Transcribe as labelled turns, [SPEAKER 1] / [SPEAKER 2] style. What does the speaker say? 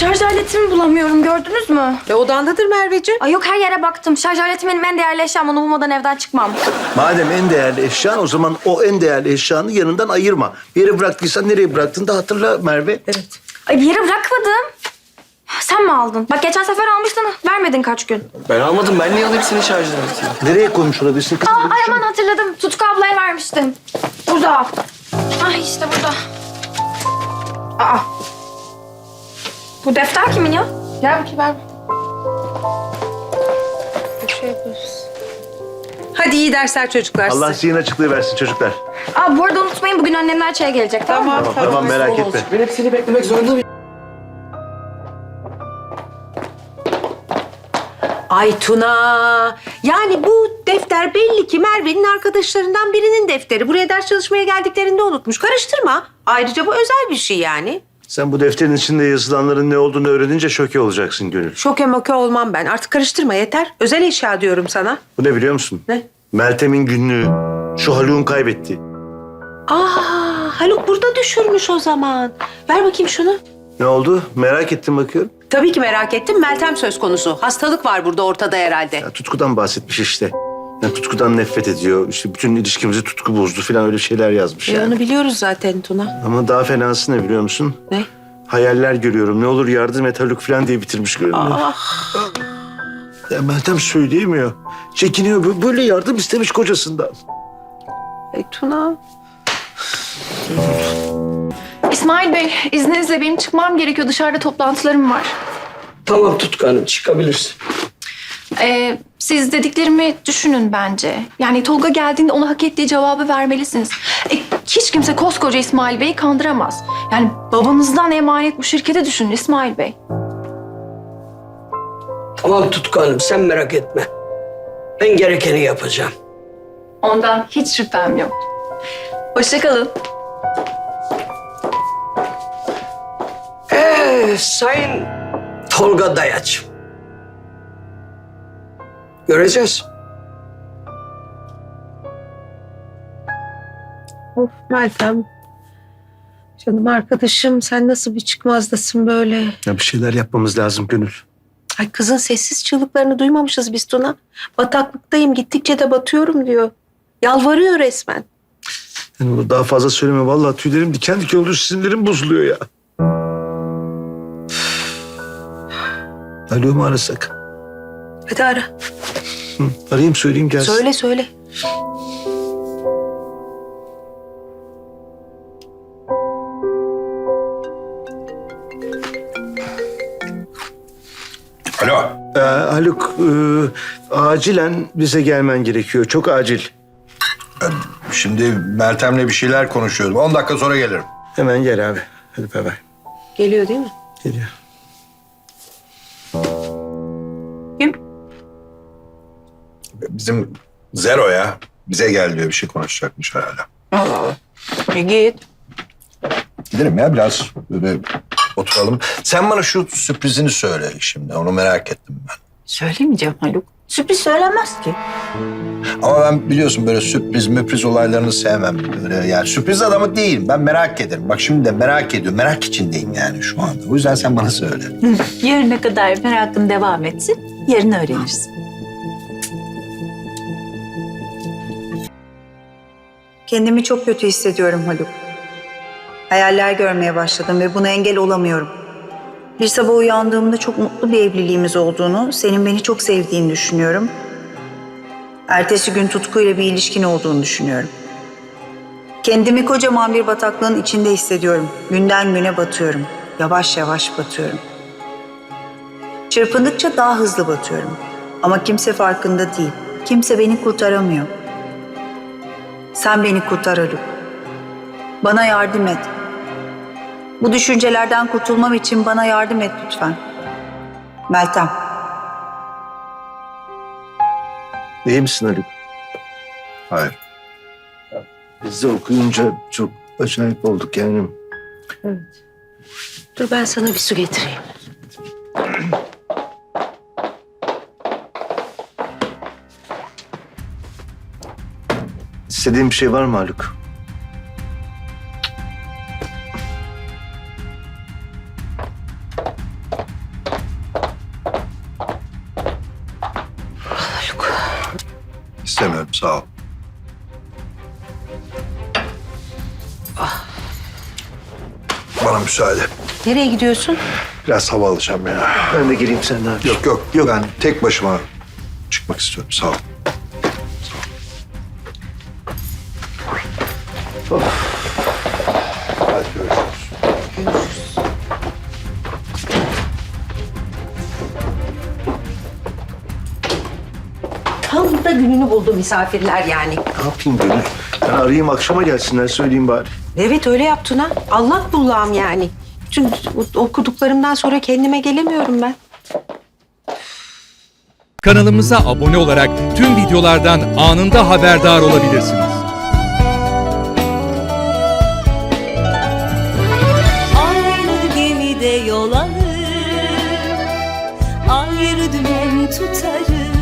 [SPEAKER 1] Şarj aletimi bulamıyorum, gördünüz mü?
[SPEAKER 2] Odandadır Merveciğim.
[SPEAKER 1] Ay yok, her yere baktım. Şarj aletim benim en değerli eşyam. Onu bulmadan evden çıkmam.
[SPEAKER 3] Madem en değerli eşyan, o zaman o en değerli eşyanı yanından ayırma. Bir yere bıraktıysan nereye bıraktın da hatırla Merve.
[SPEAKER 2] Evet.
[SPEAKER 1] Ay bir yere bırakmadım. Sen mi aldın? Bak geçen sefer almıştın, vermedin kaç gün.
[SPEAKER 4] Ben almadım. Ben niye alayım senin şarj aletini?
[SPEAKER 3] Nereye koymuş olabilirsin kızım?
[SPEAKER 1] Ay aman hatırladım. Tutku ablaya vermiştim. Burada. Ay işte burada. Aa. Bu defter kimin ya?
[SPEAKER 2] Gel bakayım ver. Bir şey yapıyoruz. Hadi iyi dersler çocuklar size.
[SPEAKER 3] Allah zihin açıklığı versin çocuklar.
[SPEAKER 1] Aa bu arada unutmayın, bugün annemler çaya gelecek, tamam mı?
[SPEAKER 3] Tamam merak etme.
[SPEAKER 4] Ben hep seni beklemek zorunda mıyım?
[SPEAKER 2] Ay Tuna. Yani bu defter belli ki Merve'nin arkadaşlarından birinin defteri. Buraya ders çalışmaya geldiklerinde unutmuş. Karıştırma. Ayrıca bu özel bir şey yani.
[SPEAKER 3] Sen bu defterin içinde yazılanların ne olduğunu öğrenince şoke olacaksın Gönül.
[SPEAKER 2] Şoke moke olmam ben. Artık karıştırma yeter. Özel eşya diyorum sana.
[SPEAKER 3] Bu ne biliyor musun?
[SPEAKER 2] Ne?
[SPEAKER 3] Meltem'in günlüğü. Şu Haluk'un kaybetti.
[SPEAKER 2] Haluk burada düşürmüş o zaman. Ver bakayım şunu.
[SPEAKER 3] Ne oldu? Merak ettim bakıyorum.
[SPEAKER 2] Tabii ki merak ettim. Meltem söz konusu. Hastalık var burada ortada herhalde.
[SPEAKER 3] Ya Tutku'dan bahsetmiş işte. Yani Tutku'dan nefret ediyor. İşte bütün ilişkimizi Tutku bozdu falan, öyle şeyler yazmış yani.
[SPEAKER 2] Onu biliyoruz zaten Tuna.
[SPEAKER 3] Ama daha fenası ne biliyor musun?
[SPEAKER 2] Ne?
[SPEAKER 3] Hayaller görüyorum. Ne olur yardım et Haluk falan diye bitirmiş görünüyor. Ya Meltem söyleyemiyor. Çekiniyor. Böyle yardım istemiş kocasından.
[SPEAKER 2] Tuna.
[SPEAKER 5] İsmail Bey, izninizle benim çıkmam gerekiyor. Dışarıda toplantılarım var.
[SPEAKER 4] Tamam Tutku Hanım, çıkabilirsin.
[SPEAKER 5] Siz dediklerimi düşünün bence. Yani Tolga geldiğinde ona hak ettiği cevabı vermelisiniz. Hiç kimse koskoca İsmail Bey'i kandıramaz. Yani babanızdan emanet bu şirkete düşünün İsmail Bey.
[SPEAKER 6] Tamam Tutku Hanım, sen merak etme. Ben gerekeni yapacağım.
[SPEAKER 5] Ondan hiç şüphem yok. Hoşça kalın.
[SPEAKER 6] Sayın Tolga Dayaç. Göreceğiz.
[SPEAKER 2] Of Meltem. Canım arkadaşım sen nasıl bir çıkmazdasın böyle?
[SPEAKER 3] Ya bir şeyler yapmamız lazım Gönül.
[SPEAKER 2] Ay kızın sessiz çığlıklarını duymamışız biz Tuna. Bataklıktayım gittikçe de batıyorum diyor. Yalvarıyor resmen.
[SPEAKER 3] Yani bunu daha fazla söyleme. Vallahi tüylerim diken diken oluyor. Sinirlerim bozuluyor ya. Alo mu arasak?
[SPEAKER 2] Hadi ara.
[SPEAKER 3] Arayayım söyleyeyim gelsin.
[SPEAKER 2] Söyle söyle.
[SPEAKER 7] Alo.
[SPEAKER 3] Haluk, acilen bize gelmen gerekiyor. Çok acil.
[SPEAKER 7] Şimdi Meltem'le bir şeyler konuşuyordum. 10 dakika sonra gelirim.
[SPEAKER 3] Hemen gel abi. Hadi bay bay.
[SPEAKER 2] Geliyor değil mi?
[SPEAKER 3] Geliyor.
[SPEAKER 2] Kim?
[SPEAKER 7] Bizim Zero ya. Bize gel diyor, bir şey konuşacakmış herhalde.
[SPEAKER 2] Git.
[SPEAKER 7] Gidelim ya, biraz böyle oturalım. Sen bana şu sürprizini söyle şimdi. Onu merak ettim ben.
[SPEAKER 8] Söylemeyeceğim Haluk. Sürpriz söylenmez ki.
[SPEAKER 7] Ama ben biliyorsun böyle sürpriz müpriz olaylarını sevmem. Böyle yani sürpriz adamı değilim. Ben merak ederim. Bak şimdi de merak ediyorum. Merak içindeyim yani şu anda. O yüzden sen bana söyle.
[SPEAKER 8] Yarına kadar merakın devam etsin. Yarın öğrenirsin.
[SPEAKER 9] Kendimi çok kötü hissediyorum Haluk. Hayaller görmeye başladım ve buna engel olamıyorum. Bir sabah uyandığımda çok mutlu bir evliliğimiz olduğunu, senin beni çok sevdiğini düşünüyorum. Ertesi gün tutkuyla bir ilişkin olduğunu düşünüyorum. Kendimi kocaman bir bataklığın içinde hissediyorum. Günden güne batıyorum. Yavaş yavaş batıyorum. Çırpındıkça daha hızlı batıyorum. Ama kimse farkında değil. Kimse beni kurtaramıyor. Sen beni kurtar Haluk. Bana yardım et. Bu düşüncelerden kurtulmam için bana yardım et lütfen. Meltem.
[SPEAKER 3] İyi misin Haluk?
[SPEAKER 7] Hayır.
[SPEAKER 3] Biz de okuyunca çok acayip olduk yani.
[SPEAKER 2] Evet. Dur ben sana bir su getireyim.
[SPEAKER 3] İstediğin bir şey var mı Haluk?
[SPEAKER 7] Sağ ol. Bana müsaade.
[SPEAKER 2] Nereye gidiyorsun?
[SPEAKER 7] Biraz hava alacağım ya.
[SPEAKER 3] Ben de geleyim senden.
[SPEAKER 7] Yok. Ben tek başıma çıkmak istiyorum. Sağ ol. Hadi görüşürüz.
[SPEAKER 2] Tam da gününü buldu misafirler yani.
[SPEAKER 3] Ne yapayım Gönül? Ben arayayım akşama gelsinler söyleyeyim bari.
[SPEAKER 2] Evet öyle yaptın ha. Allah bullağım yani. Bütün okuduklarımdan sonra kendime gelemiyorum ben.
[SPEAKER 10] Kanalımıza abone olarak tüm videolardan anında haberdar olabilirsiniz.
[SPEAKER 11] Aynı gemide yol alır, ayrı dümen tutarız.